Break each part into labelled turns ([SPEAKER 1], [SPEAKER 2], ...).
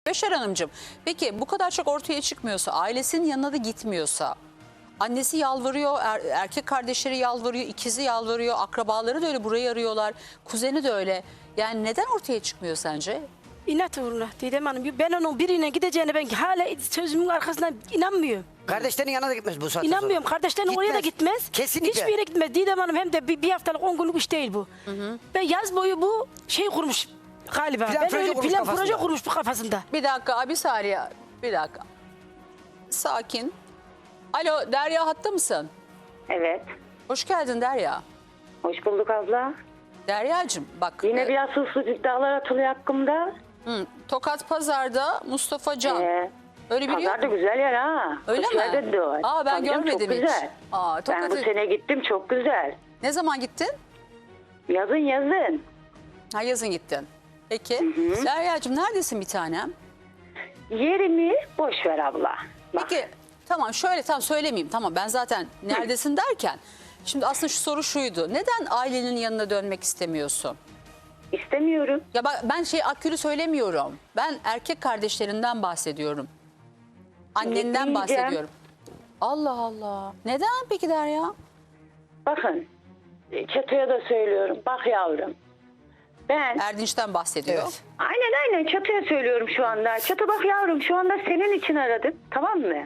[SPEAKER 1] Beşer Hanımcığım, peki bu kadar çok ortaya çıkmıyorsa, ailesinin yanına da gitmiyorsa, annesi yalvarıyor, erkek kardeşleri yalvarıyor, ikizi yalvarıyor, akrabaları da öyle burayı arıyorlar, kuzeni de öyle. Yani neden ortaya çıkmıyor sence?
[SPEAKER 2] İnat uğruna Didem Hanım. Ben onun birine gideceğine ben hala sözümün arkasından inanmıyorum.
[SPEAKER 3] Kardeşlerin yanına da gitmez bu saatte
[SPEAKER 2] İnanmıyorum.
[SPEAKER 3] sonra.
[SPEAKER 2] Kardeşlerin oraya da gitmez.
[SPEAKER 3] Kesinlikle.
[SPEAKER 2] Hiçbir yere gitmez. Didem Hanım hem de bir haftalık 10 günlük iş değil bu. Ben yaz boyu bu şey kurmuş galiba.
[SPEAKER 3] Plan,
[SPEAKER 2] Ben
[SPEAKER 3] proje
[SPEAKER 2] öyle
[SPEAKER 3] kurmuş
[SPEAKER 2] plan
[SPEAKER 3] kafasında.
[SPEAKER 2] proje kurmuş bu kafasında.
[SPEAKER 1] Bir dakika, bir saniye, bir dakika. Sakin. Alo, Derya hatta mısın?
[SPEAKER 4] Evet.
[SPEAKER 1] Hoş geldin Derya.
[SPEAKER 4] Hoş bulduk abla.
[SPEAKER 1] Deryacığım bak.
[SPEAKER 4] Yine biraz suçsuz iddialar atılıyor hakkımda.
[SPEAKER 1] Tokat Pazar'da Mustafa Can. Öyle biri yok
[SPEAKER 4] Pazar da
[SPEAKER 1] mu?
[SPEAKER 4] güzel yer ha.
[SPEAKER 1] Öyle
[SPEAKER 4] Hoş
[SPEAKER 1] mi?
[SPEAKER 4] geldin de o.
[SPEAKER 1] Aa, ben
[SPEAKER 4] Tabii canım,
[SPEAKER 1] görmedim
[SPEAKER 4] çok
[SPEAKER 1] hiç.
[SPEAKER 4] güzel.
[SPEAKER 1] Aa,
[SPEAKER 4] Ben bu
[SPEAKER 1] Tokat'ı-
[SPEAKER 4] sene gittim, çok güzel.
[SPEAKER 1] Ne zaman gittin?
[SPEAKER 4] Yazın.
[SPEAKER 1] Ha, yazın gittin. Peki. Deryacığım neredesin bir tanem?
[SPEAKER 4] Yerimi boş ver abla. Bak,
[SPEAKER 1] Peki tamam, şöyle tam söylemeyeyim, tamam, ben zaten neredesin derken şimdi aslında şu soru şuydu: neden ailenin yanına dönmek istemiyorsun?
[SPEAKER 4] istemiyorum.
[SPEAKER 1] Ya ben Akgül'ü söylemiyorum, ben erkek kardeşlerinden bahsediyorum, annenden
[SPEAKER 4] Gitmeyeceğim.
[SPEAKER 1] bahsediyorum. Allah Allah, neden peki Derya?
[SPEAKER 4] Bakın, Çato'ya da söylüyorum. Bak yavrum. Ben
[SPEAKER 1] Erdinç'ten bahsediyor.
[SPEAKER 3] Evet.
[SPEAKER 4] aynen Çato'ya söylüyorum şu anda. Çato bak yavrum, şu anda senin için aradım. Tamam mı?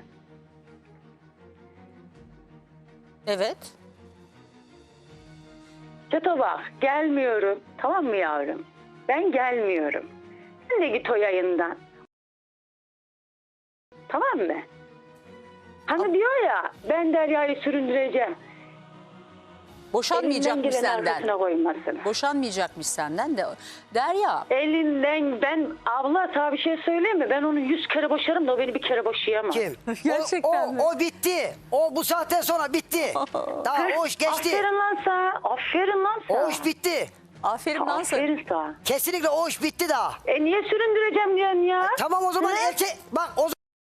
[SPEAKER 1] Evet.
[SPEAKER 4] Çato bak, gelmiyorum. Tamam mı yavrum? Ben gelmiyorum. Sen de git o yayından. Tamam mı? Hani diyor ya, ben Derya'yı süründüreceğim.
[SPEAKER 1] Boşanmayacakmış
[SPEAKER 4] Elinden gelen
[SPEAKER 1] senden.
[SPEAKER 4] arkasına koymasın.
[SPEAKER 1] Boşanmayacakmış senden de. Derya,
[SPEAKER 4] Elinden, ben abla sana bir şey söyleyeyim mi? Ben onu 100 kere boşarım da o beni bir kere boşayamaz.
[SPEAKER 3] Kim?
[SPEAKER 1] Gerçekten mi?
[SPEAKER 3] O bitti. O bu saatten sonra bitti. Daha o iş geçti.
[SPEAKER 4] Aferin lan sana. Aferin lan sana.
[SPEAKER 3] O iş bitti.
[SPEAKER 1] aferin lan sana.
[SPEAKER 4] Aferin sana.
[SPEAKER 3] Kesinlikle o iş bitti daha.
[SPEAKER 4] Niye süründüreceğim diyorsun ya?
[SPEAKER 3] Tamam o zaman
[SPEAKER 4] Ne?
[SPEAKER 3] erkek bak o zaman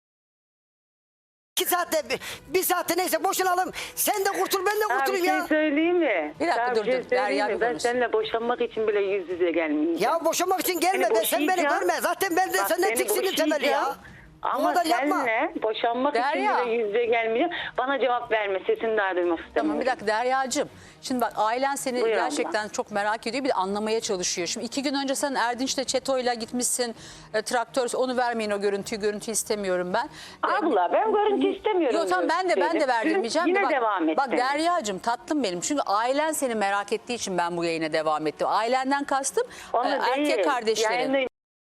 [SPEAKER 3] 2 saatte bir saatte neyse boşanalım. Sen de kurtul ben de
[SPEAKER 4] Sana bir
[SPEAKER 3] kurtulayım
[SPEAKER 4] şey
[SPEAKER 3] ya.
[SPEAKER 4] söyleyeyim mi?
[SPEAKER 1] Bir dakika,
[SPEAKER 4] Sana
[SPEAKER 1] dur,
[SPEAKER 4] şey
[SPEAKER 1] dur. Derya
[SPEAKER 4] söyleyeyim
[SPEAKER 1] bir
[SPEAKER 4] mi? Ben
[SPEAKER 1] konuş.
[SPEAKER 4] seninle boşanmak için bile yüz yüze gelmeyeceğim.
[SPEAKER 3] Ya boşanmak için gelme
[SPEAKER 4] Seni
[SPEAKER 3] ben sen beni
[SPEAKER 4] boşayacağım.
[SPEAKER 3] görme. Zaten ben de
[SPEAKER 4] Bak,
[SPEAKER 3] senden
[SPEAKER 4] seni
[SPEAKER 3] tiksindim temeli ya.
[SPEAKER 4] boşayacağım.
[SPEAKER 3] Bu
[SPEAKER 4] Ama
[SPEAKER 3] kadar yapma.
[SPEAKER 4] seninle boşanmak
[SPEAKER 1] Derya.
[SPEAKER 4] için bile yüz yüze gelmeyeceğim. Bana cevap verme. Sesini daha duymak istemiyorum.
[SPEAKER 1] Tamam, bir dakika Deryacığım. Şimdi bak, ailen seni
[SPEAKER 4] Buyur
[SPEAKER 1] gerçekten çok merak ediyor, bir de anlamaya çalışıyor. Şimdi 2 gün önce sen Erdinç'le Çeto'yla gitmişsin, traktör, onu vermeyin o görüntüyü istemiyorum ben.
[SPEAKER 4] Abla ben görüntü istemiyorum.
[SPEAKER 1] Yok tamam, ben de
[SPEAKER 4] dedim.
[SPEAKER 1] verdirmeyeceğim.
[SPEAKER 4] Yine
[SPEAKER 1] de bak,
[SPEAKER 4] devam et.
[SPEAKER 1] Bak Deryacığım, tatlım benim. Çünkü ailen seni merak ettiği için ben bu yayına devam ettim. Ailenden kastım
[SPEAKER 4] Onu
[SPEAKER 1] erkek
[SPEAKER 4] değil.
[SPEAKER 1] kardeşlerin.
[SPEAKER 4] Yayında-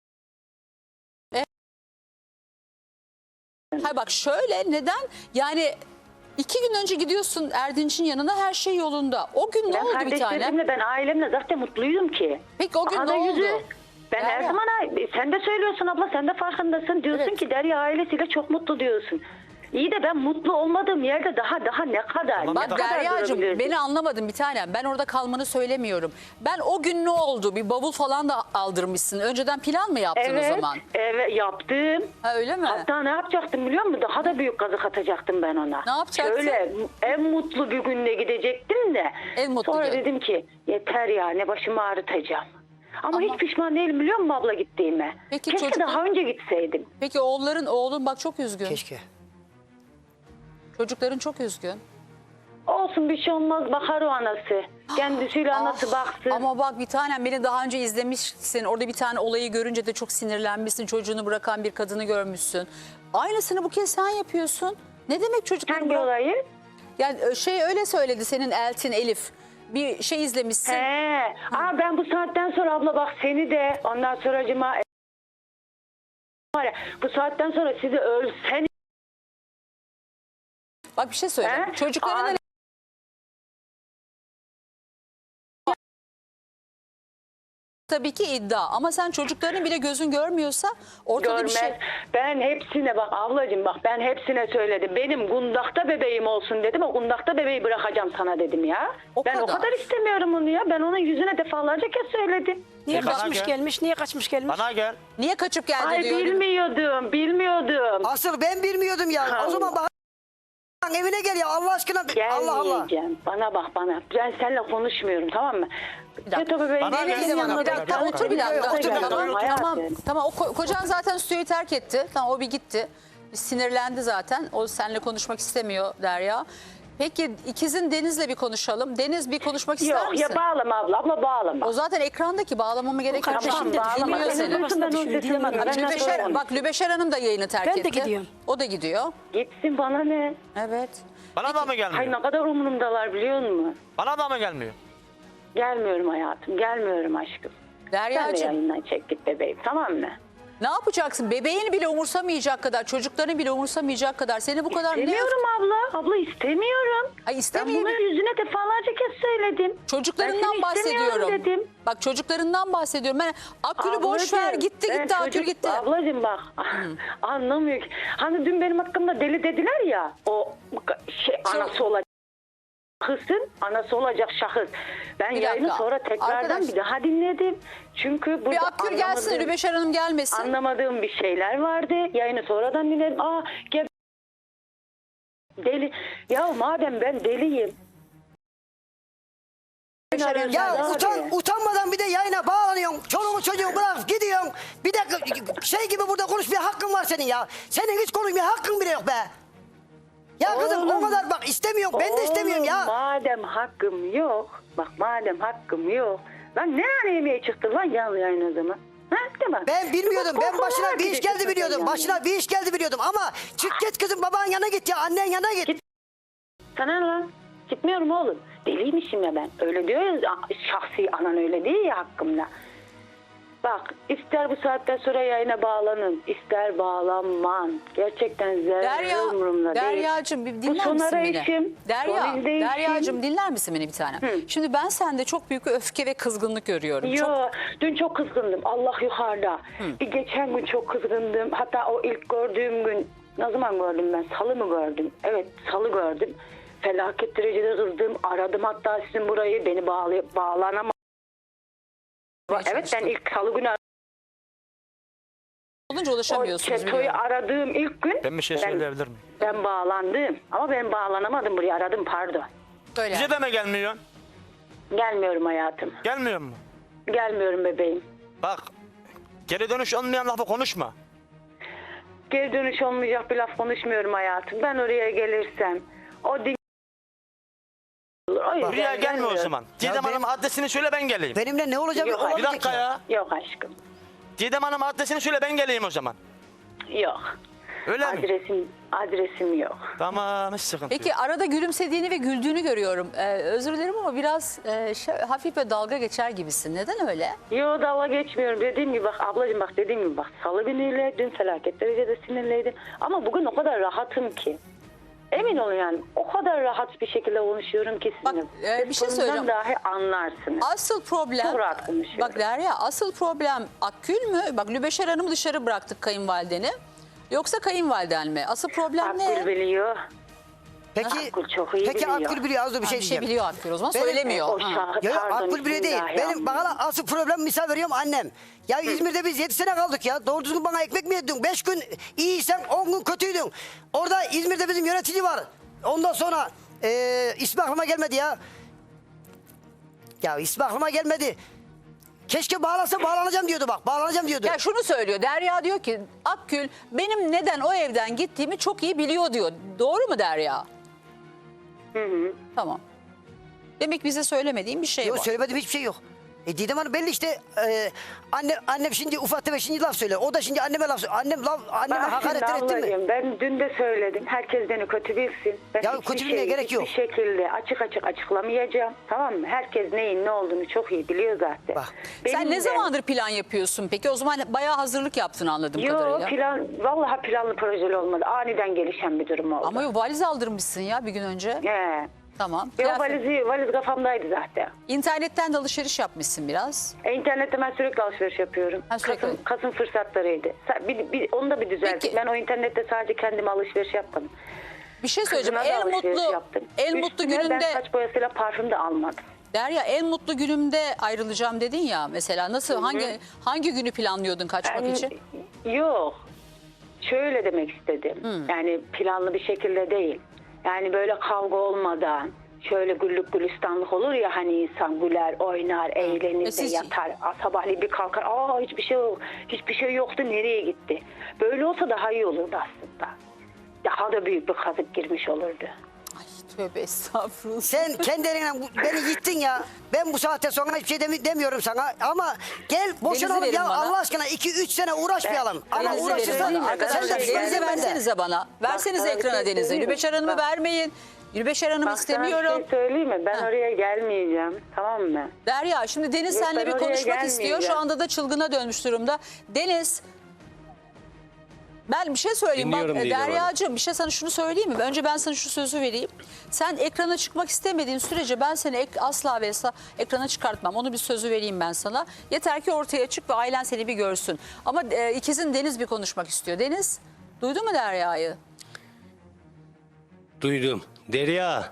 [SPEAKER 1] Hayır bak şöyle, neden? Yani 2 gün önce gidiyorsun Erdinç'in yanına, her şey yolunda. O gün ne
[SPEAKER 4] Ben
[SPEAKER 1] oldu bir tanem?
[SPEAKER 4] kardeşlerimle, ben ailemle zaten mutluydum ki.
[SPEAKER 1] Peki o gün
[SPEAKER 4] Aha
[SPEAKER 1] ne
[SPEAKER 4] da
[SPEAKER 1] oldu?
[SPEAKER 4] yüzü. Ben her
[SPEAKER 1] Derya.
[SPEAKER 4] zaman, sen de söylüyorsun abla, sen de farkındasın. Diyorsun
[SPEAKER 1] Evet.
[SPEAKER 4] ki Derya ailesiyle çok mutlu diyorsun. İyi de ben mutlu olmadığım yerde daha ne kadar?
[SPEAKER 1] Bak
[SPEAKER 4] ne kadar
[SPEAKER 1] Deryacığım,
[SPEAKER 4] durabilirsin?
[SPEAKER 1] beni anlamadın bir tanem. Ben orada kalmanı söylemiyorum. Ben o gün ne oldu? Bir bavul falan da aldırmışsın. Önceden plan mı yaptın o zaman?
[SPEAKER 4] Evet yaptım.
[SPEAKER 1] Ha, öyle mi?
[SPEAKER 4] Hatta ne yapacaktım biliyor musun? Daha da büyük kazık atacaktım ben ona.
[SPEAKER 1] Ne yapacaktın?
[SPEAKER 4] Şöyle en mutlu bir günde gidecektim de.
[SPEAKER 1] En mutlu
[SPEAKER 4] Sonra
[SPEAKER 1] gün.
[SPEAKER 4] dedim ki yeter ya, ne başımı ağrıtacağım. Ama
[SPEAKER 1] Ama-
[SPEAKER 4] hiç pişman değilim biliyor musun abla gittiğime?
[SPEAKER 1] Peki
[SPEAKER 4] Keşke
[SPEAKER 1] çocuklar-
[SPEAKER 4] daha önce gitseydim.
[SPEAKER 1] Peki oğlun bak çok üzgün.
[SPEAKER 3] Keşke.
[SPEAKER 1] Çocukların çok üzgün.
[SPEAKER 4] Olsun, bir şey olmaz, bakar o anası. Kendisiyle anası baksın.
[SPEAKER 1] Ama bak bir tanem, beni daha önce izlemişsin. Orada bir tane olayı görünce de çok sinirlenmişsin. Çocuğunu bırakan bir kadını görmüşsün. Aynısını bu kez sen yapıyorsun. Ne demek çocukları
[SPEAKER 4] Hangi
[SPEAKER 1] bırak-
[SPEAKER 4] olayı?
[SPEAKER 1] Yani öyle söyledi senin Eltin Elif. Bir şey izlemişsin.
[SPEAKER 4] Ben bu saatten sonra abla bak seni de ondan sonracıma var ya, bu saatten sonra sizi ölsen.
[SPEAKER 1] Bak bir şey söyleyeceğim.
[SPEAKER 4] He?
[SPEAKER 1] Çocuklarına
[SPEAKER 4] Aa,
[SPEAKER 1] tabii ki iddia, ama sen çocuklarının bile gözün görmüyorsa ortada
[SPEAKER 4] görmez.
[SPEAKER 1] bir şey.
[SPEAKER 4] Ben hepsine bak ablacığım, bak ben hepsine söyledim. Benim gundakta bebeğim olsun dedim. O gundakta bebeği bırakacağım sana dedim ya.
[SPEAKER 1] O
[SPEAKER 4] Ben o
[SPEAKER 1] kadar.
[SPEAKER 4] kadar istemiyorum onu ya. Ben onun yüzüne defalarca kez söyledim.
[SPEAKER 2] Niye
[SPEAKER 5] Bana
[SPEAKER 2] kaçmış
[SPEAKER 5] gel.
[SPEAKER 2] gelmiş? Niye kaçmış gelmiş?
[SPEAKER 5] Bana gel.
[SPEAKER 1] Niye kaçıp geldi
[SPEAKER 4] Ay
[SPEAKER 1] diyor.
[SPEAKER 4] bilmiyordum.
[SPEAKER 3] Asıl ben bilmiyordum ya. O zaman bak Evine gel ya Allah aşkına. Allah Allah.
[SPEAKER 4] Gelmeyeceğim. Bana bak bana. Ben seninle konuşmuyorum, tamam mı?
[SPEAKER 1] dakika.
[SPEAKER 4] Çeto bebeğin
[SPEAKER 5] Bana
[SPEAKER 4] gelin
[SPEAKER 5] gel,
[SPEAKER 4] yanına
[SPEAKER 1] Bir dakika
[SPEAKER 4] da-
[SPEAKER 1] otur bir dakika.
[SPEAKER 5] Otur,
[SPEAKER 1] Tamam,
[SPEAKER 5] otur.
[SPEAKER 1] tamam. Kocan zaten stüdyoyu terk etti. Tamam, o bir gitti. Sinirlendi zaten. O seninle konuşmak istemiyor Derya. Peki ikizin Deniz'le bir konuşalım. Deniz bir konuşmak ister
[SPEAKER 4] Yok
[SPEAKER 1] misin?
[SPEAKER 4] ya, bağlama abla bağlama.
[SPEAKER 1] O zaten ekrandaki, bağlamama gerek yok.
[SPEAKER 2] Tamam,
[SPEAKER 1] Şimdi
[SPEAKER 4] bağlama.
[SPEAKER 1] dinliyor
[SPEAKER 4] Seni
[SPEAKER 1] seni.
[SPEAKER 4] duysun, ben onu
[SPEAKER 2] Düşündüğüm
[SPEAKER 4] dinlemem.
[SPEAKER 2] gibi.
[SPEAKER 4] Ben nasıl
[SPEAKER 1] Lübeşer,
[SPEAKER 4] onu-
[SPEAKER 1] bak Lübeşer Hanım da yayını terk
[SPEAKER 2] Ben de
[SPEAKER 1] etti.
[SPEAKER 2] gidiyorum.
[SPEAKER 1] O da gidiyor.
[SPEAKER 4] Gitsin, bana ne?
[SPEAKER 1] Evet.
[SPEAKER 5] Bana da mı
[SPEAKER 4] Hay
[SPEAKER 5] gelmiyor?
[SPEAKER 4] ne kadar umurumdalar biliyor musun?
[SPEAKER 5] Bana da mı gelmiyor?
[SPEAKER 4] Gelmiyorum hayatım, gelmiyorum aşkım. Sen de
[SPEAKER 1] Derya'cığım
[SPEAKER 4] yayından çek git bebeğim, tamam mı?
[SPEAKER 1] ne yapacaksın? Bebeğini bile umursamayacak kadar, çocuklarını bile umursamayacak kadar. Seni bu kadar ne...
[SPEAKER 4] İstemiyorum abla. Abla istemiyorum.
[SPEAKER 1] Ay
[SPEAKER 4] Ben
[SPEAKER 1] istemiyor.
[SPEAKER 4] bunu yüzüne defalarca kez söyledim.
[SPEAKER 1] Çocuklarından
[SPEAKER 4] Ben seni istemiyorum
[SPEAKER 1] bahsediyorum.
[SPEAKER 4] dedim.
[SPEAKER 1] Bak çocuklarından bahsediyorum. Ben Akgül'ü boş ver,
[SPEAKER 4] Ablacığım,
[SPEAKER 1] gitti
[SPEAKER 4] ben
[SPEAKER 1] Akgül
[SPEAKER 4] çocuk-
[SPEAKER 1] gitti.
[SPEAKER 4] Ablacığım bak anlamıyor ki. Hani dün benim hakkımda deli dediler ya, o anası olacak şahısın, anası olacak şahıs. Ben
[SPEAKER 1] Bir
[SPEAKER 4] yayını
[SPEAKER 1] dakika.
[SPEAKER 4] sonra tekrardan
[SPEAKER 1] Arkadaş-
[SPEAKER 4] bir daha dinledim. Çünkü burada
[SPEAKER 1] Bir Akgül gelsin,
[SPEAKER 4] anlamadığım-
[SPEAKER 1] Lübeşer Hanım gelmesin.
[SPEAKER 4] anlamadığım bir şeyler vardı. Yayını sonradan dinledim. Deli. Ya madem ben deliyim.
[SPEAKER 3] Ya utanmadan bir de yayına bağlanıyorsun. Çoluğu çocuğu bırak gidiyorsun. Bir de şey gibi burada konuşmaya hakkın var senin ya. Senin hiç konuşmaya hakkın bile yok be. Ya kızım
[SPEAKER 4] Oğlum,
[SPEAKER 3] o kadar bak istemiyorum. Ben de istemiyorum
[SPEAKER 4] Oğlum,
[SPEAKER 3] ya.
[SPEAKER 4] Madem hakkım yok. Bak madem hakkım yok. Lan ne ara yemeğe çıktın lan canlı yayın o zaman? Ha, değil mi?
[SPEAKER 3] Ben bilmiyordum. Ben başına bir iş geldi biliyordum.
[SPEAKER 4] Yani.
[SPEAKER 3] Başına bir iş geldi biliyordum. Ama çık git kızım babanın yanına git ya. Annen yanına git.
[SPEAKER 4] Sana ne lan? Gitmiyorum oğlum. Deliymişim ya ben. Öyle diyor ya, şahsi anan öyle değil ya hakkımda. Bak ister bu saatten sonra yayına bağlanın, ister bağlanman. Gerçekten zerre umurumda değil.
[SPEAKER 1] Derya'cığım bir
[SPEAKER 4] Bu
[SPEAKER 1] dinler
[SPEAKER 4] son
[SPEAKER 1] misin beni?
[SPEAKER 4] arayışım, son izleyişim.
[SPEAKER 1] Derya'cığım dinler misin beni bir tane? Şimdi ben sende çok büyük bir öfke ve kızgınlık görüyorum.
[SPEAKER 4] Yo,
[SPEAKER 1] Çok...
[SPEAKER 4] dün çok kızgındım. Allah yukarıda. Bir geçen gün çok kızgındım. Hatta o ilk gördüğüm gün, ne zaman gördüm ben? Salı mı gördüm? Evet, salı gördüm. Felaket derecede kızdım. Aradım hatta sizin burayı, beni bağlanamadım. Evet, ben ilk salı günü
[SPEAKER 1] olunca
[SPEAKER 4] o
[SPEAKER 1] ulaşamıyorsunuz
[SPEAKER 4] çetoyu
[SPEAKER 1] biliyorum.
[SPEAKER 4] aradığım ilk gün
[SPEAKER 5] Ben bir şey söyleyebilir miyim?
[SPEAKER 4] ben bağlandım. Ama ben bağlanamadım buraya, aradım pardon.
[SPEAKER 1] Öyle.
[SPEAKER 5] Bize de mi gelmiyorsun?
[SPEAKER 4] Gelmiyorum hayatım.
[SPEAKER 5] Gelmiyor mu?
[SPEAKER 4] Gelmiyorum bebeğim.
[SPEAKER 5] Bak geri dönüş olmayan lafı konuşma.
[SPEAKER 4] Geri dönüş olmayacak bir laf konuşmuyorum hayatım. Ben oraya gelirsem o din... O yüzden
[SPEAKER 5] Buraya gelme o
[SPEAKER 4] gelmiyorum.
[SPEAKER 5] zaman. Didem
[SPEAKER 3] benim-
[SPEAKER 5] Hanım adresini söyle ben geleyim.
[SPEAKER 3] Benimle ne olacak?
[SPEAKER 4] Yok,
[SPEAKER 3] olacak
[SPEAKER 5] Bir dakika ya.
[SPEAKER 4] Yok aşkım.
[SPEAKER 5] Didem Hanım adresini söyle ben geleyim o zaman.
[SPEAKER 4] Yok.
[SPEAKER 5] Öyle mi?
[SPEAKER 4] Adresim yok.
[SPEAKER 5] Tamam hiç sıkıntı yok.
[SPEAKER 1] Peki arada gülümsediğini ve güldüğünü görüyorum. Özür dilerim ama biraz hafif ve dalga geçer gibisin. Neden öyle?
[SPEAKER 4] Yo, dalga geçmiyorum. Dediğim gibi bak ablacığım, bak dediğim gibi bak salı günüyle dün felaket derecede sinirliydim. Ama bugün o kadar rahatım ki. Emin olun yani o kadar rahat bir şekilde konuşuyorum ki
[SPEAKER 1] Bak,
[SPEAKER 4] sizinle.
[SPEAKER 1] bir şey
[SPEAKER 4] Ses
[SPEAKER 1] söyleyeceğim.
[SPEAKER 4] tonundan dahi anlarsınız.
[SPEAKER 1] Asıl problem,
[SPEAKER 4] Çok rahat konuşuyorum.
[SPEAKER 1] bak Derya, asıl problem Akgül mü? Bak Lübeşer Hanım'ı dışarı bıraktık, kayınvalideni. Yoksa kayınvaliden mi? Asıl problem ne?
[SPEAKER 4] Akgül biliyor.
[SPEAKER 3] Peki,
[SPEAKER 4] Akgül çok iyi
[SPEAKER 3] peki
[SPEAKER 4] biliyor.
[SPEAKER 3] Akgül biliyor. Az da bir
[SPEAKER 1] Ha,
[SPEAKER 3] şey
[SPEAKER 1] bir şey
[SPEAKER 3] diyeceğim.
[SPEAKER 1] biliyor Akgül o zaman,
[SPEAKER 3] Benim-
[SPEAKER 1] söylemiyor.
[SPEAKER 4] O
[SPEAKER 1] Ha.
[SPEAKER 4] şah-
[SPEAKER 3] Ya
[SPEAKER 4] pardon,
[SPEAKER 3] Akgül bile değil.
[SPEAKER 4] bismillah ya.
[SPEAKER 3] Benim bana asıl problem misal veriyorum annem. Ya İzmir'de biz 7 sene kaldık ya. Doğru düzgün bana ekmek mi yedin? 5 gün iyiysen 10 gün kötüydün. Orada İzmir'de bizim yönetici var. Ondan sonra ismi aklıma gelmedi ya. Ya ismi aklıma gelmedi. Keşke bağlansa bağlanacağım diyordu bak. Bağlanacağım diyordu.
[SPEAKER 1] Ya şunu söylüyor, Derya diyor ki Akgül benim neden o evden gittiğimi çok iyi biliyor diyor. Doğru mu Derya? Tamam. Demek bize söylemediğin bir şey
[SPEAKER 3] Yok
[SPEAKER 1] var.
[SPEAKER 3] söylemedim hiçbir şey yok. Didem Hanım belli işte annem şimdi ufak tefek şimdi laf söylüyor. O da şimdi anneme laf söylüyor. Anneme
[SPEAKER 4] Bak
[SPEAKER 3] hakaret
[SPEAKER 4] şimdi
[SPEAKER 3] etti mi?
[SPEAKER 4] ablacığım, ben dün de söyledim. Herkes beni kötü bilsin. Ben
[SPEAKER 3] Ya
[SPEAKER 4] hiçbir
[SPEAKER 3] kötü bilmeye gerek yok.
[SPEAKER 4] Hiçbir şekilde açık açıklamayacağım. Tamam mı? Herkes neyin ne olduğunu çok iyi biliyor zaten.
[SPEAKER 3] Bak.
[SPEAKER 1] Sen
[SPEAKER 4] Benim
[SPEAKER 1] ne
[SPEAKER 4] de-
[SPEAKER 1] zamandır plan yapıyorsun peki? O zaman bayağı hazırlık yaptın anladığım kadarıyla.
[SPEAKER 4] Yok vallahi planlı projeli olmadı. Aniden gelişen bir durum oldu.
[SPEAKER 1] Ama yok, valiz aldırmışsın ya bir gün önce.
[SPEAKER 4] He.
[SPEAKER 1] Tamam.
[SPEAKER 4] Yok,
[SPEAKER 1] Kıyafet-
[SPEAKER 4] valiz kafamdaydı zaten.
[SPEAKER 1] İnternetten de alışveriş yapmışsın biraz.
[SPEAKER 4] İnternette ben sürekli alışveriş yapıyorum.
[SPEAKER 1] Ha, sürekli.
[SPEAKER 4] Kasım fırsatlarıydı. Onu da bir düzelttik.
[SPEAKER 1] Peki.
[SPEAKER 4] Ben o internette sadece kendime alışveriş yapmadım.
[SPEAKER 1] Bir şey söyleyeceğim.
[SPEAKER 4] Kızıma da
[SPEAKER 1] En
[SPEAKER 4] alışveriş
[SPEAKER 1] mutlu
[SPEAKER 4] yaptım.
[SPEAKER 1] en mutlu
[SPEAKER 4] Üstüne
[SPEAKER 1] gününde
[SPEAKER 4] ben saç boyasıyla parfüm de almadım.
[SPEAKER 1] Derya, en mutlu günümde ayrılacağım dedin ya mesela. Nasıl, hangi günü planlıyordun kaçmak için?
[SPEAKER 4] Yok. Şöyle demek istedim. Yani planlı bir şekilde değil. Yani böyle kavga olmadan, şöyle güllük gülistanlık olur ya hani insan güler, oynar, eğlenir de
[SPEAKER 1] siz-
[SPEAKER 4] yatar. Sabahleyin bir kalkar, hiçbir şey yok, hiçbir şey yoktu, nereye gitti? Böyle olsa daha iyi olurdu aslında. Daha da büyük bir kazık girmiş olurdu.
[SPEAKER 1] Ay tövbe estağfurullah.
[SPEAKER 3] Sen kendi elinle beni yittin ya. Ben bu saatte sonra hiçbir şey demiyorum sana. Ama gel boşanalım
[SPEAKER 1] verin
[SPEAKER 3] ya
[SPEAKER 1] bana.
[SPEAKER 3] Allah aşkına 2-3 sene uğraşmayalım. Ama
[SPEAKER 1] Denizi
[SPEAKER 3] uğraşırsan
[SPEAKER 1] verin.
[SPEAKER 3] sen de
[SPEAKER 1] Arkadaşlar
[SPEAKER 3] pişmanız
[SPEAKER 1] Deniz'i
[SPEAKER 3] bende.
[SPEAKER 1] versenize bana. Versenize
[SPEAKER 4] sana bir
[SPEAKER 1] ekrana
[SPEAKER 4] şey
[SPEAKER 1] Deniz'i.
[SPEAKER 4] söyleyeyim mi?
[SPEAKER 1] Lübeşer Hanım'ı
[SPEAKER 4] Bak.
[SPEAKER 1] vermeyin. Lübeşer Hanım'ı
[SPEAKER 4] Bak sana bir
[SPEAKER 1] istemiyorum.
[SPEAKER 4] şey söyleyeyim mi? Ben
[SPEAKER 1] Ha.
[SPEAKER 4] oraya gelmeyeceğim. Tamam mı?
[SPEAKER 1] Derya şimdi Deniz
[SPEAKER 4] Yok,
[SPEAKER 1] seninle
[SPEAKER 4] ben
[SPEAKER 1] bir
[SPEAKER 4] oraya
[SPEAKER 1] konuşmak istiyor. Şu
[SPEAKER 4] gelmeyeceğim.
[SPEAKER 1] anda da çılgına dönmüş durumda. Deniz, ben bir şey söyleyeyim. Bak
[SPEAKER 6] Dinliyorum Didem Hanım.
[SPEAKER 1] Derya'cığım bir şey sana şunu söyleyeyim mi? Önce ben sana şu sözü vereyim. Sen ekrana çıkmak istemediğin sürece ben seni asla ve asla ekrana çıkartmam. Onu bir sözü vereyim ben sana. Yeter ki ortaya çık ve ailen seni bir görsün. Ama ikizin Deniz bir konuşmak istiyor. Deniz, duydun mu Derya'yı?
[SPEAKER 6] Duydum. Derya.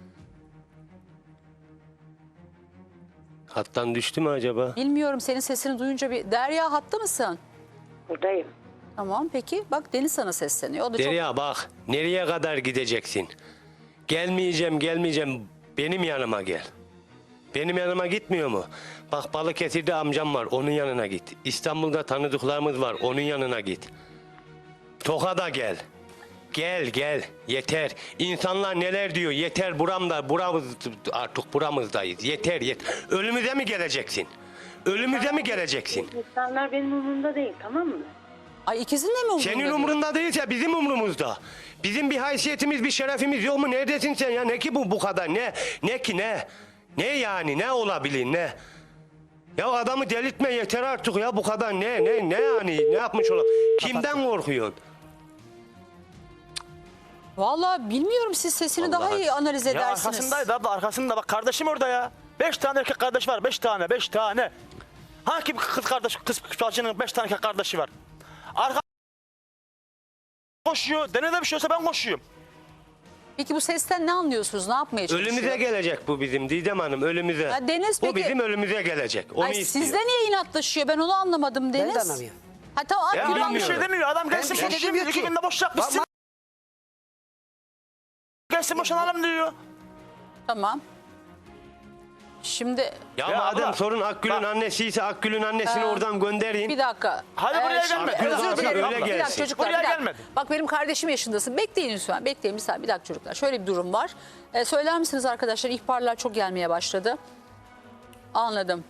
[SPEAKER 6] Hattan düştü mü acaba?
[SPEAKER 1] Bilmiyorum, senin sesini duyunca bir... Derya hatta mısın?
[SPEAKER 4] Buradayım.
[SPEAKER 1] Tamam peki. Bak Deniz sana sesleniyor. O da çok...
[SPEAKER 6] Derya bak, nereye kadar gideceksin? Gelmeyeceğim. Benim yanıma gel. Benim yanıma gitmiyor mu? Bak Balıkesir'de amcam var, onun yanına git. İstanbul'da tanıdıklarımız var, onun yanına git. Tokat'a gel. Gel. Yeter. İnsanlar neler diyor? Yeter artık buramızdayız. Yeter. Ölümüze mi geleceksin? Ölümüze mi geleceksin?
[SPEAKER 4] İnsanlar benim umurumda değil, tamam mı?
[SPEAKER 1] Ay ikizin de mi umurunda?
[SPEAKER 6] Senin
[SPEAKER 1] değil?
[SPEAKER 6] umurunda değilse bizim umurumuzda. Bizim bir haysiyetimiz, bir şerefimiz yok mu? Neredesin sen ya? Ne ki bu kadar? Ne ki ne? Ne yani? Ne olabilir ne? Ya adamı delirtme yeter artık ya bu kadar ne yani? Ne yapmış ola? Kimden korkuyorsun?
[SPEAKER 1] Vallahi bilmiyorum, siz sesini daha
[SPEAKER 6] Vallahi-
[SPEAKER 1] iyi analiz
[SPEAKER 5] Ya
[SPEAKER 1] edersiniz.
[SPEAKER 5] arkasındaydı abla, arkasında bak kardeşim orada ya. 5 tane erkek kardeş var, 5 tane. Hangi kız bacının 5 tane erkek kardeşi var? Arka koşuyor, denede bir şey olsa ben koşuyorum.
[SPEAKER 1] Peki bu sesten ne anlıyorsunuz? Ne yapmaya çalışıyor?
[SPEAKER 6] Ölümüze gelecek bu bizim Didem Hanım ölümüze.
[SPEAKER 1] Ya Deniz
[SPEAKER 6] Bu
[SPEAKER 1] peki-
[SPEAKER 6] bizim ölümüze gelecek. Onu
[SPEAKER 1] Ay,
[SPEAKER 6] istiyor.
[SPEAKER 1] sizde niye inatlaşıyor? Ben onu anlamadım Deniz.
[SPEAKER 3] de anlamıyorum.
[SPEAKER 1] Ha tamam
[SPEAKER 5] Ya
[SPEAKER 1] Akgül
[SPEAKER 5] adam bir şey
[SPEAKER 1] anlıyorum.
[SPEAKER 5] demiyor, adam gelsin
[SPEAKER 3] bir şey
[SPEAKER 5] boşayım,
[SPEAKER 3] demiyor
[SPEAKER 5] 2
[SPEAKER 3] ki.
[SPEAKER 5] günde boşayacak bitsin. Gelsin boşanalım diyor.
[SPEAKER 1] Tamam. Şimdi
[SPEAKER 6] Ya
[SPEAKER 5] Ya
[SPEAKER 6] madem
[SPEAKER 5] abla,
[SPEAKER 6] sorun Akgül'ün
[SPEAKER 5] bak-
[SPEAKER 6] annesiyse Akgül'ün annesini oradan gönderin.
[SPEAKER 1] bir dakika.
[SPEAKER 5] Hadi buraya
[SPEAKER 1] şimdi
[SPEAKER 5] gelme.
[SPEAKER 1] Özür
[SPEAKER 6] Abla,
[SPEAKER 1] dilerim.
[SPEAKER 6] öyle
[SPEAKER 1] Bir dakika
[SPEAKER 6] gelsin.
[SPEAKER 1] çocuklar.
[SPEAKER 5] Buraya
[SPEAKER 1] bir dakika.
[SPEAKER 5] gelmedi.
[SPEAKER 1] Bak benim kardeşim yaşındasın. Bekleyin lütfen. Bekleyin bir saniye. Bir dakika çocuklar. Şöyle bir durum var. Söyler misiniz arkadaşlar? İhbarlar çok gelmeye başladı. Anladım.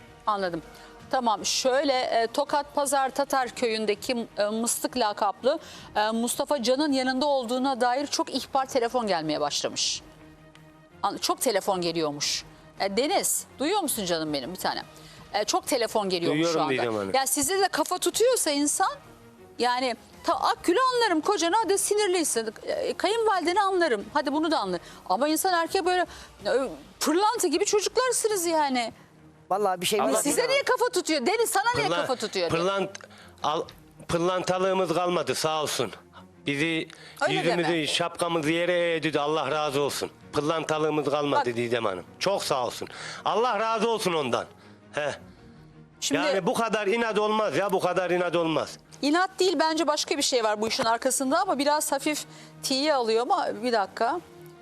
[SPEAKER 1] Tamam şöyle Tokat Pazar Tatar köyündeki Mıstık lakaplı Mustafa Can'ın yanında olduğuna dair çok ihbar telefon gelmeye başlamış. Çok telefon geliyormuş. Deniz duyuyor musun canım benim bir tane? Çok telefon geliyormuş
[SPEAKER 6] Duyuyorum
[SPEAKER 1] şu anda.
[SPEAKER 6] Didem Hanım.
[SPEAKER 1] Ya size de kafa tutuyorsa insan yani Akgül'ü anlarım, kocana hadi sinirliysin. Kayınvalideni anlarım, hadi bunu da anlarım. Ama insan erkeğe böyle pırlanta gibi çocuklarsınız yani.
[SPEAKER 3] Vallahi bir şey
[SPEAKER 6] Allah
[SPEAKER 3] bilmiyorum.
[SPEAKER 1] Size niye kafa tutuyor? Deniz sana niye kafa tutuyor?
[SPEAKER 6] Pırlantalığımız kalmadı sağ olsun. Bizi
[SPEAKER 1] Öyle
[SPEAKER 6] yüzümüzü,
[SPEAKER 1] deme.
[SPEAKER 6] şapkamızı yere eğdi. Allah razı olsun. Pırlantalığımız kalmadı
[SPEAKER 1] Bak.
[SPEAKER 6] Didem Hanım. Çok sağ olsun. Allah razı olsun ondan. He.
[SPEAKER 1] Şimdi
[SPEAKER 6] Yani bu kadar inat olmaz ya bu kadar inat olmaz.
[SPEAKER 1] inat değil, bence başka bir şey var bu işin arkasında ama biraz hafif tiye alıyor ama bir dakika.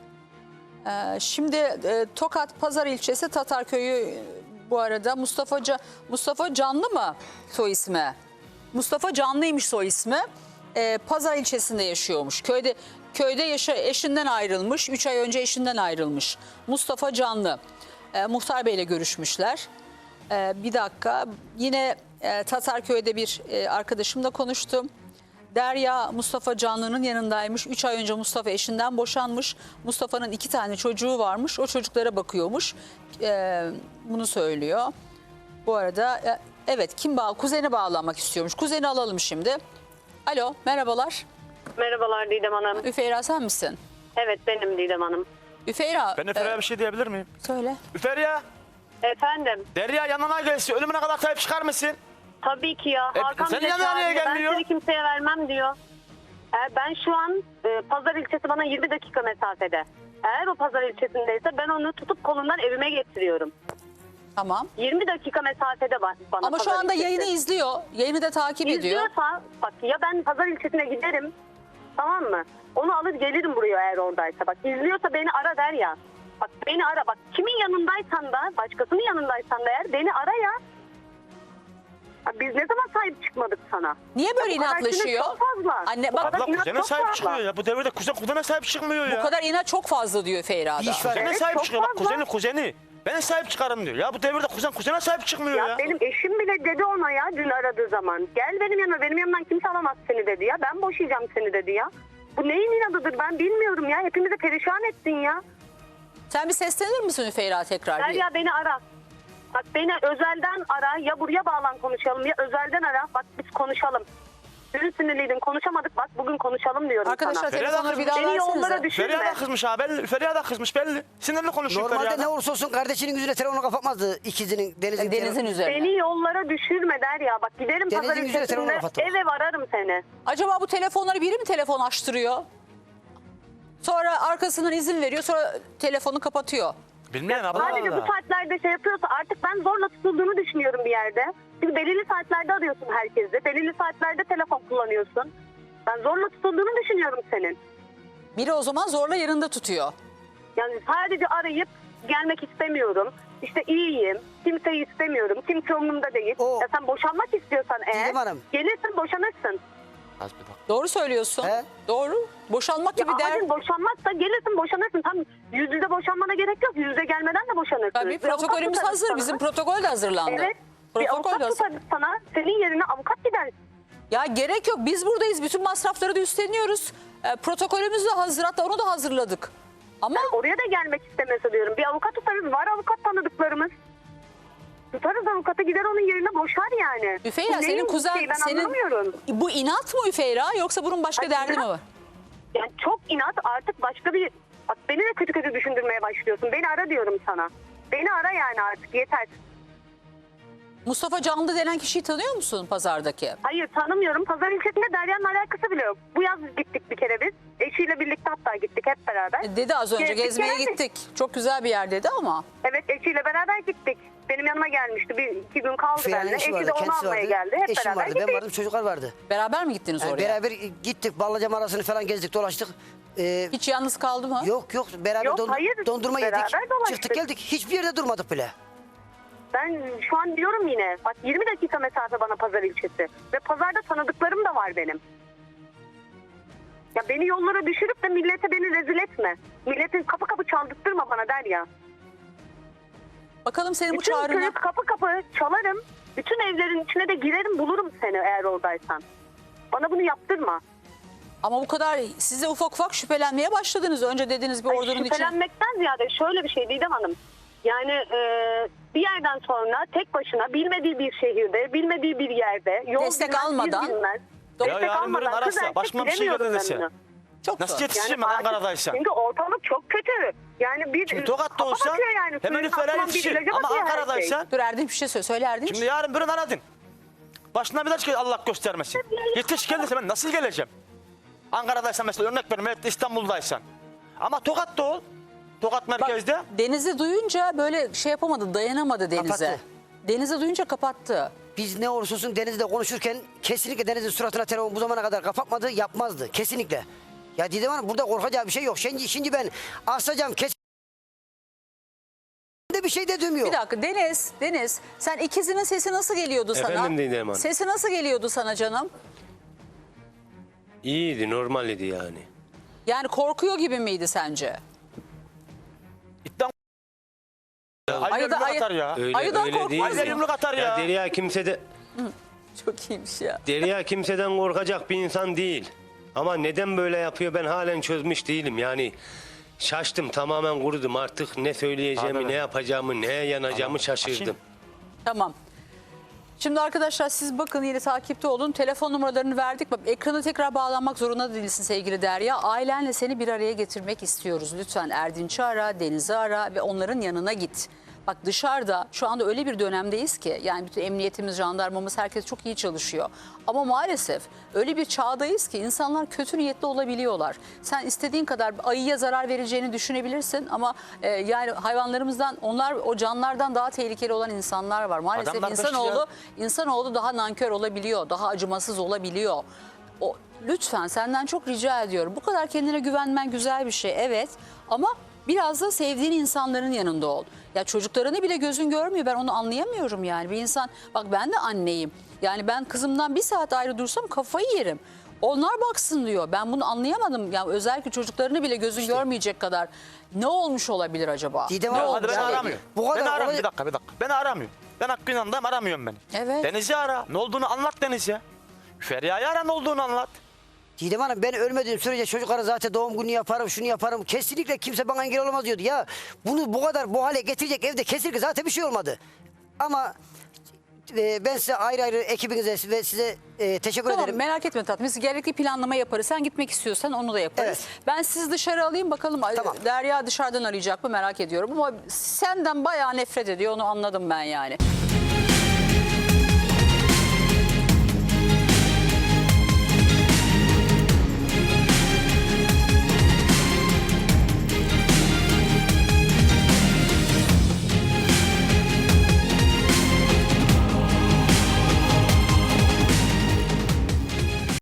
[SPEAKER 1] Şimdi Tokat Pazar ilçesi Tatarköy'ü bu arada Mustafa Canlı mı soy ismi? Mustafa Canlıymış soy ismi. Pazar ilçesinde yaşıyormuş. Köyde eşinden ayrılmış. 3 ay önce eşinden ayrılmış. Mustafa Canlı. Muhtar Bey'le görüşmüşler. Bir dakika. Yine Tatarköy'de bir arkadaşımla konuştum. Derya Mustafa Canlı'nın yanındaymış. 3 ay önce Mustafa eşinden boşanmış. Mustafa'nın 2 tane çocuğu varmış. O çocuklara bakıyormuş. Bunu söylüyor. Bu arada evet kuzeni bağlanmak istiyormuş. Kuzeni alalım şimdi. Alo merhabalar.
[SPEAKER 7] Merhabalar Didem Hanım.
[SPEAKER 1] Üfeyra sen misin?
[SPEAKER 7] Evet benim Didem Hanım.
[SPEAKER 1] Üfeyra.
[SPEAKER 5] Ben Efe'ye bir şey diyebilir miyim?
[SPEAKER 1] Söyle.
[SPEAKER 5] Üferiya,
[SPEAKER 7] Efendim
[SPEAKER 5] Derya yanına gelsin, ölümüne kadar sahip çıkar mısın?
[SPEAKER 7] tabii ki ya. Hakan
[SPEAKER 5] senin
[SPEAKER 7] bile
[SPEAKER 5] yanına niye
[SPEAKER 7] çağırıyor. Ben
[SPEAKER 5] gelmiyor?
[SPEAKER 7] seni kimseye vermem diyor. Ben şu an Pazar ilçesi bana 20 dakika mesafede. Eğer o Pazar ilçesindeyse ben onu tutup kolundan evime getiriyorum.
[SPEAKER 1] Tamam.
[SPEAKER 7] 20 dakika mesafede bana
[SPEAKER 1] Ama şu
[SPEAKER 7] Pazar
[SPEAKER 1] anda
[SPEAKER 7] ilçesi.
[SPEAKER 1] yayını izliyor. Yayını da takip ediyor.
[SPEAKER 7] İzliyorsa bak ya ben Pazar ilçesine giderim Tamam mı? Onu alır gelirim buraya eğer oradaysa. Bak izliyorsa beni ara der ya. Bak beni ara bak. Kimin yanındaysan da, başkasının yanındaysan da eğer beni ara ya. Ya biz ne zaman sahip çıkmadık sana?
[SPEAKER 1] Niye böyle
[SPEAKER 7] Bu kadar sinir
[SPEAKER 1] inatlaşıyor?
[SPEAKER 7] çok fazla.
[SPEAKER 1] Anne
[SPEAKER 7] Bu
[SPEAKER 1] bak,
[SPEAKER 7] kadar
[SPEAKER 5] Abla
[SPEAKER 7] inat
[SPEAKER 5] kuzene
[SPEAKER 7] çok
[SPEAKER 5] sahip
[SPEAKER 7] fazla.
[SPEAKER 5] çıkıyor ya. Bu devirde kuzene sahip çıkmıyor ya.
[SPEAKER 1] bu kadar inat çok fazla diyor Feyra
[SPEAKER 3] Bir
[SPEAKER 1] da.
[SPEAKER 3] iş var.
[SPEAKER 5] Kuzene
[SPEAKER 7] Evet,
[SPEAKER 5] sahip
[SPEAKER 7] çok
[SPEAKER 5] çıkıyor. Bak
[SPEAKER 7] fazla.
[SPEAKER 5] kuzeni. Ben sahip çıkarım diyor. Ya bu devirde kuzene sahip çıkmıyor ya.
[SPEAKER 7] Ya benim eşim bile dedi ona ya dün aradığı zaman. Gel benim yanıma, benim yanımdan kimse alamaz seni dedi ya. Ben boşayacağım seni dedi ya. Bu neyin inadıdır ben bilmiyorum ya. Hepimizi perişan ettin ya.
[SPEAKER 1] Sen bir seslenir misin Feyra tekrar?
[SPEAKER 7] Gel
[SPEAKER 1] Bir?
[SPEAKER 7] ya beni ara. Bak beni özelden ara, ya buraya bağlan konuşalım ya özelden ara. Bak biz konuşalım. Dün sinirliydin konuşamadık, bak bugün konuşalım diyorum
[SPEAKER 1] Arkadaşlar
[SPEAKER 7] sana.
[SPEAKER 5] Feriha
[SPEAKER 1] telefonları bir daha
[SPEAKER 7] Beni yollara
[SPEAKER 1] versenize.
[SPEAKER 7] düşürme.
[SPEAKER 5] Feriha da kızmış ha belli. Feriha da kızmış belli. Sinirli konuşuyor
[SPEAKER 3] Normalde
[SPEAKER 5] Feriha
[SPEAKER 3] ne
[SPEAKER 5] da.
[SPEAKER 3] olursa olsun kardeşinin yüzüne telefonu kapatmazdı. İkizinin, Deniz'in.
[SPEAKER 1] Deniz'in üzerine.
[SPEAKER 7] Beni yollara düşürme der ya. Bak giderim
[SPEAKER 3] Denizin
[SPEAKER 7] pazar
[SPEAKER 3] yüzüne telefonu
[SPEAKER 7] ilçesinde
[SPEAKER 3] kapattım.
[SPEAKER 7] ev ararım seni.
[SPEAKER 1] Acaba bu telefonları biri mi telefon açtırıyor? Sonra arkasından izin veriyor, sonra telefonu kapatıyor.
[SPEAKER 5] Bilmeyen abla.
[SPEAKER 7] Sadece bu saatlerde şey yapıyorsa artık ben zorla tutulduğunu düşünüyorum bir yerde. Çünkü belirli saatlerde arıyorsun herkesi. Belirli saatlerde telefon kullanıyorsun. Ben zorla tutulduğunu düşünüyorum senin.
[SPEAKER 1] Biri o zaman zorla yanında tutuyor.
[SPEAKER 7] Yani sadece arayıp gelmek istemiyorum. İşte iyiyim. Kimseyi istemiyorum. Kimse umurumda değil.
[SPEAKER 3] O-
[SPEAKER 7] Ya sen boşanmak istiyorsan eğer
[SPEAKER 3] Didem Hanım.
[SPEAKER 7] gelirsin boşanırsın.
[SPEAKER 5] Az bir bak.
[SPEAKER 1] Doğru söylüyorsun.
[SPEAKER 3] He?
[SPEAKER 1] Doğru. Boşanmak
[SPEAKER 7] Ya
[SPEAKER 1] gibi der.
[SPEAKER 7] abicim boşanmazsa gelirsin boşanırsın. Tam yüz yüze boşanmana gerek yok. Yüz yüze gelmeden de boşanırsın.
[SPEAKER 1] Tabii
[SPEAKER 7] Bir avukat
[SPEAKER 1] protokolümüz
[SPEAKER 7] tutarız
[SPEAKER 1] hazır.
[SPEAKER 7] sana.
[SPEAKER 1] Bizim protokol de hazırlandı.
[SPEAKER 7] Evet. Bir
[SPEAKER 1] Protokol
[SPEAKER 7] avukat
[SPEAKER 1] de hazır.
[SPEAKER 7] tutarız sana. Senin yerine avukat gider.
[SPEAKER 1] Ya gerek yok. Biz buradayız. Bütün masrafları da üstleniyoruz. Protokolümüz de hazır. Hatta onu da hazırladık. Ama
[SPEAKER 7] Oraya da gelmek istemese diyorum. Bir avukat tutarız. Var avukat tanıdıklarımız. Tutarız avukata gider onun yerine boşar yani.
[SPEAKER 1] Üfeyra
[SPEAKER 7] Bu
[SPEAKER 1] senin
[SPEAKER 7] neyin
[SPEAKER 1] kuzen
[SPEAKER 7] şeyi ben
[SPEAKER 1] senin
[SPEAKER 7] anlamıyorum.
[SPEAKER 1] bu inat mı Üfeyra yoksa bunun başka
[SPEAKER 7] Ay,
[SPEAKER 1] derdi mi
[SPEAKER 7] inat.
[SPEAKER 1] var?
[SPEAKER 7] Yani çok inat artık başka bir... Bak beni de kötü kötü düşündürmeye başlıyorsun. Beni ara diyorum sana. Beni ara yani artık yeter.
[SPEAKER 1] Mustafa Canlı denen kişiyi tanıyor musun pazardaki?
[SPEAKER 7] Hayır tanımıyorum. Pazar ilçesinde Derya'nın alakası bile yok. Bu yaz gittik bir kere biz. Eşiyle birlikte hatta gittik hep beraber.
[SPEAKER 1] Dedi az önce
[SPEAKER 7] Gezdik,
[SPEAKER 1] gezmeye
[SPEAKER 7] geldik.
[SPEAKER 1] gittik. Çok güzel bir yer dedi ama.
[SPEAKER 7] Evet eşiyle beraber gittik. Benim yanıma gelmişti. Bir iki gün kaldı
[SPEAKER 3] Ferihan'ın
[SPEAKER 7] benimle.
[SPEAKER 3] eşi
[SPEAKER 7] Eşi
[SPEAKER 3] vardı,
[SPEAKER 7] de onu
[SPEAKER 3] kendisi
[SPEAKER 7] almaya
[SPEAKER 3] vardı.
[SPEAKER 7] geldi. Hep
[SPEAKER 3] Eşim
[SPEAKER 7] beraber
[SPEAKER 3] vardı, ben
[SPEAKER 7] gittik.
[SPEAKER 3] vardım, çocuklar vardı.
[SPEAKER 1] Beraber mi gittiniz
[SPEAKER 3] Yani
[SPEAKER 1] oraya?
[SPEAKER 3] beraber gittik, Ballıca arasını falan gezdik, dolaştık.
[SPEAKER 1] Hiç yalnız kaldı mı?
[SPEAKER 3] Yok beraber
[SPEAKER 7] Yok, hayır,
[SPEAKER 3] dondurma
[SPEAKER 7] beraber
[SPEAKER 3] yedik,
[SPEAKER 7] dolaştık.
[SPEAKER 3] çıktık geldik. Hiçbir yerde durmadık bile.
[SPEAKER 7] Ben şu an diyorum yine. Bak 20 dakika mesafe bana pazar ilçesi. Ve pazarda tanıdıklarım da var benim. Ya beni yollara düşürüp de millete beni rezil etme. Milletin kapı kapı çaldırtma bana der ya.
[SPEAKER 1] Bakalım senin bu
[SPEAKER 7] Bütün
[SPEAKER 1] çağrına.
[SPEAKER 7] köyü kapı kapı çalarım. Bütün evlerin içine de girerim bulurum seni eğer oradaysan. Bana bunu yaptırma.
[SPEAKER 1] Ama bu kadar siz de ufak ufak şüphelenmeye başladınız. Önce dediniz bir
[SPEAKER 7] Ay,
[SPEAKER 1] ordunun için.
[SPEAKER 7] şüphelenmekten ziyade şöyle bir şey Didem Hanım. Yani bir yerden sonra tek başına bilmediği bir şehirde, bilmediği bir yerde yol
[SPEAKER 1] Destek
[SPEAKER 7] bilmez,
[SPEAKER 1] almadan-
[SPEAKER 7] iz bilmez.
[SPEAKER 1] Ya
[SPEAKER 7] Destek
[SPEAKER 5] yarın öbür gün
[SPEAKER 7] almadan kız
[SPEAKER 5] ararsa,
[SPEAKER 7] erkek
[SPEAKER 5] başıma bir şey
[SPEAKER 7] bilemiyorum
[SPEAKER 5] gelirse.
[SPEAKER 7] ben bunu.
[SPEAKER 1] Çok
[SPEAKER 5] Nasıl
[SPEAKER 1] zor.
[SPEAKER 5] yetişeceğim ben
[SPEAKER 7] artık-
[SPEAKER 5] Ankara'daysan?
[SPEAKER 7] Çünkü ortalık çok kötü. Yani bir
[SPEAKER 5] Şimdi Tokat'ta
[SPEAKER 7] kafa
[SPEAKER 5] olsa
[SPEAKER 7] bakıyor yani.
[SPEAKER 5] hemen
[SPEAKER 7] Suyun
[SPEAKER 5] üfeler
[SPEAKER 7] altından bir
[SPEAKER 5] yetişir.
[SPEAKER 7] ilaca
[SPEAKER 5] Ama
[SPEAKER 7] bakıyor her şey.
[SPEAKER 5] Ankara'daysan
[SPEAKER 1] Dur Erdinç bir şey söyle. Söyle Erdinç.
[SPEAKER 5] şimdi yarın bir gün aradın. Başına bir daha çıkıyor Allah göstermesin. Yetiş gelirse ben nasıl geleceğim? Ankara'daysan mesela örnek veriyorum evet İstanbul'daysan. Ama Tokat'ta ol. Tokat
[SPEAKER 1] Bak,
[SPEAKER 5] merkezde.
[SPEAKER 1] Deniz'i duyunca böyle şey yapamadı, dayanamadı Deniz'e.
[SPEAKER 3] Kapattı.
[SPEAKER 1] Deniz'i duyunca kapattı.
[SPEAKER 3] Biz ne olursa olsun Deniz'le konuşurken kesinlikle Deniz'in suratına telefon bu zamana kadar kapatmadı, yapmazdı. Kesinlikle. Ya Didem Hanım burada korkacağı bir şey yok. Şimdi ben asacağım kesin de bir şey de demiyor.
[SPEAKER 1] Bir dakika Deniz sen ikizinin sesi nasıl geliyordu sana?
[SPEAKER 6] Efendim Didem Hanım.
[SPEAKER 1] Sesi nasıl geliyordu sana canım?
[SPEAKER 6] İyiydi, normal idi yani.
[SPEAKER 1] Yani korkuyor gibi miydi sence?
[SPEAKER 5] İddia Ayda
[SPEAKER 1] Ayda-
[SPEAKER 5] yumruk
[SPEAKER 1] ay-
[SPEAKER 5] atar ya.
[SPEAKER 6] Öyle,
[SPEAKER 1] Ayıdan
[SPEAKER 6] öyle
[SPEAKER 1] korkmaz
[SPEAKER 6] değil.
[SPEAKER 5] Ayda
[SPEAKER 6] mi?
[SPEAKER 5] yumruk atar ya.
[SPEAKER 6] Derya
[SPEAKER 1] Çok iyiymiş ya.
[SPEAKER 6] Derya kimseden korkacak bir insan değil. Ama neden böyle yapıyor ben halen çözmüş değilim. Yani şaştım, tamamen kurudum. Artık ne söyleyeceğimi,
[SPEAKER 5] Abi.
[SPEAKER 6] ne yapacağımı, neye yanacağımı şaşırdım.
[SPEAKER 5] Açayım.
[SPEAKER 1] Tamam. Şimdi arkadaşlar siz bakın yine takipte olun. Telefon numaralarını verdik. Bak, ekrana tekrar bağlanmak zorunda değilsin sevgili Derya. Ailenle seni bir araya getirmek istiyoruz. Lütfen Erdinç'i ara, Deniz'i ara ve onların yanına git. Bak dışarıda şu anda öyle bir dönemdeyiz ki yani bütün emniyetimiz, jandarmamız herkes çok iyi çalışıyor. Ama maalesef öyle bir çağdayız ki insanlar kötü niyetli olabiliyorlar. Sen istediğin kadar ayıya zarar vereceğini düşünebilirsin ama yani hayvanlarımızdan onlar o canlardan daha tehlikeli olan insanlar var. Maalesef
[SPEAKER 5] Adamlar
[SPEAKER 1] insanoğlu daha nankör olabiliyor, daha acımasız olabiliyor. lütfen senden çok rica ediyorum. Bu kadar kendine güvenmen güzel bir şey, evet. Ama biraz da sevdiğin insanların yanında ol. Ya çocuklarını bile gözün görmüyor. Ben onu anlayamıyorum yani. Bir insan, bak ben de anneyim. Yani ben kızımdan bir saat ayrı dursam kafayı yerim. Onlar baksın diyor. Ben bunu anlayamadım. Yani özellikle çocuklarını bile gözün görmeyecek kadar ne olmuş olabilir acaba?
[SPEAKER 3] Didem
[SPEAKER 1] Ne
[SPEAKER 3] Hanım,
[SPEAKER 1] olmuş
[SPEAKER 5] Hadi beni
[SPEAKER 3] Yani
[SPEAKER 5] aramıyor.
[SPEAKER 3] bu kadar
[SPEAKER 5] Beni aramıyor.
[SPEAKER 3] olay-
[SPEAKER 5] Bir dakika. Beni aramıyor. Ben Hakkı'nın yanındayım, aramıyorum beni.
[SPEAKER 1] Evet.
[SPEAKER 5] Deniz'i ara. Ne olduğunu anlat Deniz'e. Feriha'yı ara, ne olduğunu anlat.
[SPEAKER 3] Didem Hanım, ben ölmediğim sürece çocuklara zaten doğum günü yaparım, şunu yaparım. Kesinlikle kimse bana engel olamaz diyordu. Ya bunu bu kadar bu hale getirecek evde kesinlikle zaten bir şey olmadı. Ama ben size ayrı ekibinize ve size teşekkür
[SPEAKER 1] Tamam,
[SPEAKER 3] ederim.
[SPEAKER 1] merak etme tatlım. Biz gerekli planlama yaparız. Sen gitmek istiyorsan onu da yaparız.
[SPEAKER 3] Evet.
[SPEAKER 1] Ben sizi dışarı alayım bakalım.
[SPEAKER 3] Tamam.
[SPEAKER 1] Derya dışarıdan arayacak mı merak ediyorum. Ama senden bayağı nefret ediyor, onu anladım ben yani.